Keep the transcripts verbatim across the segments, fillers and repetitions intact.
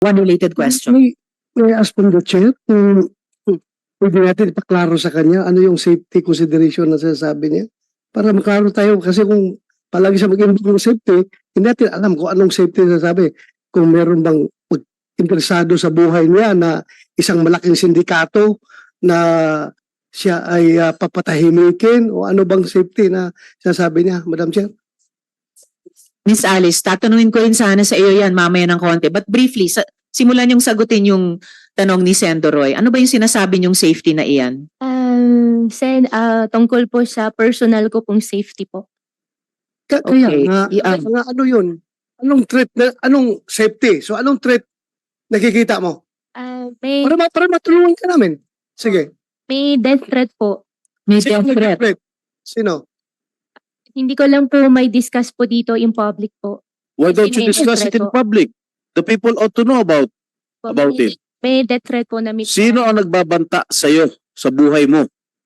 One related question. May, may I ask from the chair kung pwede natin ipaklaro sa kanya ano yung safety consideration na sinasabi niya para maklaro tayo kasi kung palagi siya mag-involve ng safety, hindi natin alam kung anong safety na sabi. Kung meron bang interesado sa buhay niya na isang malaking sindikato na siya ay uh, papatahimikin o ano bang safety na sinasabi niya, Madam Chair? Miss Alice, tatanungin ko rin sana sa iyo yan mamaya ng konti. But briefly, sa, simulan yung sagutin yung tanong ni Sendo Roy. Ano ba yung sinasabi niyong safety na iyan? Um, Sen, ah, tungkol po sa personal ko pong safety po. Ka- Kaya Okay, nga, i-am. nga, ano yun? Anong threat, na, anong safety? So anong threat nakikita mo? Ah, may, Para, ma- para matulungan ka namin. Sige. may death threat po. May Sino death threat. nag-threat? Sino? Hindi ko lang po may discuss po dito in public po. Why don't you May discuss it threat in po. public? The people ought to know about Po, about may, it. May death threat po na may Sino ang nagbabanta sa iyo sa buhay mo?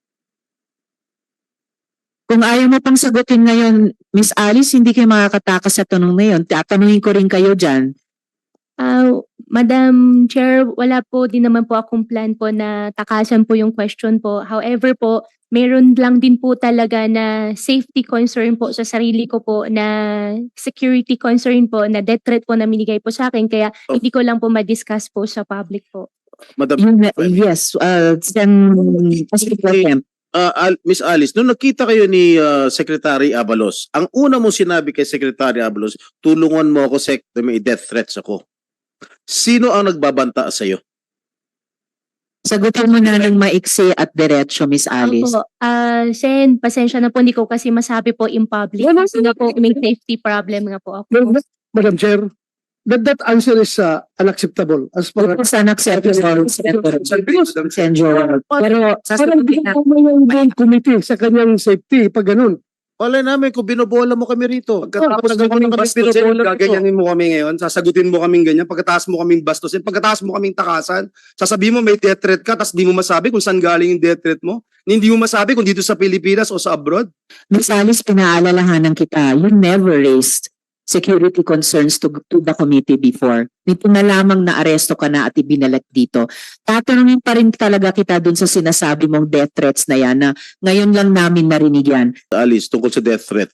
Kung ayaw mo pang sagutin ngayon, Miss Alice, hindi kayo makakatakas sa tanong na yun. Tatanungin ko rin kayo dyan. Ah, Madam Chair, wala po din naman po akong plan po na takasan po yung question po. However po, meron lang din po talaga na safety concern po sa sarili ko po, na security concern po, na death threat po na minigay po sa akin. Kaya Oh. hindi ko lang po ma-discuss po sa public po. Madam Yun, yes, uh, Sen. Pastor Pro Tem. uh, Al- Miss Alice, nung nakita kayo ni uh, Secretary Abalos, ang una mong sinabi kay Secretary Abalos, tulungan mo ako, Sec, may death threats ako. Sino ang nagbabanta sa iyo? Sagutin mo na ng maiksi at diretso, Miss Alice. Opo, ah, Sen, pasensya na po, hindi ko kasi masabi po in public. Wala Kasi nga po, may safety problem nga po ako. Madam Chair, that, that answer is uh, unacceptable as far as It's unacceptable, Senator Sen. Joel. Pero parang sasagutin hindi na. mo may committee sa kanyang safety pag ganun. Wala namin kung binobola mo kami rito. Pagkatapos Pagkatapos mo kaming kami bastusin, binobola rito. gaganyanin mo kami ngayon, sasagutin mo kaming ganyan, pagkatapos mo kaming bastusin, pagkatapos mo kaming takasan, sasabihin mo may death threat ka, tapos di mo masabi kung saan galing yung death threat mo, hindi mo masabi kung dito sa Pilipinas o sa abroad. Miss Alice, pinaalalahanan kita, you never raised security concerns to, to the committee before. Nito na lamang na aresto ka na at ibinalat dito. Tatanungin pa rin talaga kita dun sa sinasabi mong death threats na yan na ngayon lang namin narinig yan. Alice, tungkol sa death threat.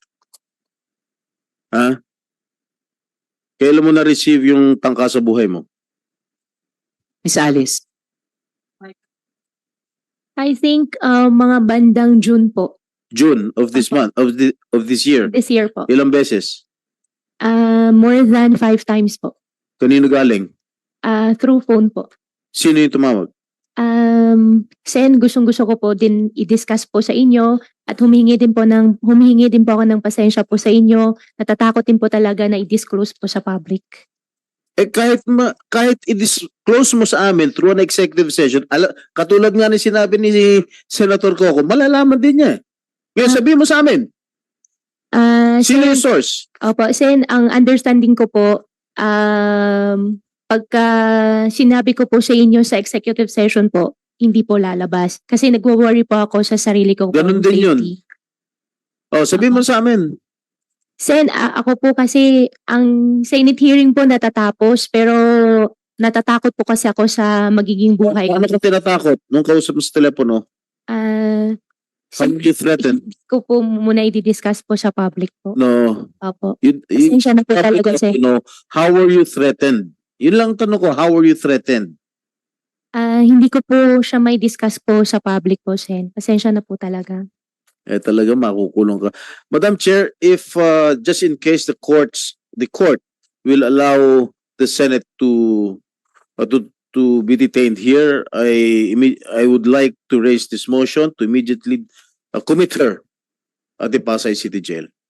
Ha? Kailan mo na-receive yung tangka sa buhay mo? Miss Alice. I think ah, mga bandang June po, June of this month, of the, of this year. this year po. Ilang beses? Ah, more than five times po. Kanino galing? Ah, through phone po. Sino yung tumawag? Um, Sen, gustong-gusto ko po din i-discuss po sa inyo at humingi din po ng humingi din po ako ng pasensya po sa inyo. Natatakot din po talaga na i-disclose po sa public. Eh kahit ma, kahit i-disclose mo sa amin through an executive session, ala, katulad nga ni sinabi ni Senator Coco, malalaman din niya. Ngayon Ah. sabihin mo sa amin, Ah, sino Sen, yung source? opo, Sen, ang understanding ko po, um, pagka sinabi ko po sa inyo sa executive session po, hindi po lalabas. Kasi nagwo-worry po ako sa sarili ko. Ganun din yun. Oh, sabihin mo sa amin. Sen, a- ako po kasi ang Senate hearing po natatapos, pero natatakot po kasi ako sa magiging buhay Ano ko. ka tinatakot nung kausap mo sa telepono? Ah, How sen- were you threatened? hindi ko po muna i-discuss po sa public po. No. Opo. You, you, Pasensya na po talaga, Sen. you know, how were you threatened? Yun lang tanong ko, how were you threatened? Ah, hindi ko po siya may discuss po sa public po, Sen. Pasensya na po talaga. Eh talaga makukulong ka. Madam Chair, if uh, just in case the courts, the court will allow the Senate to uh, to to be detained here, I imme- I would like to raise this motion to immediately uh, commit her at the Pasay City Jail.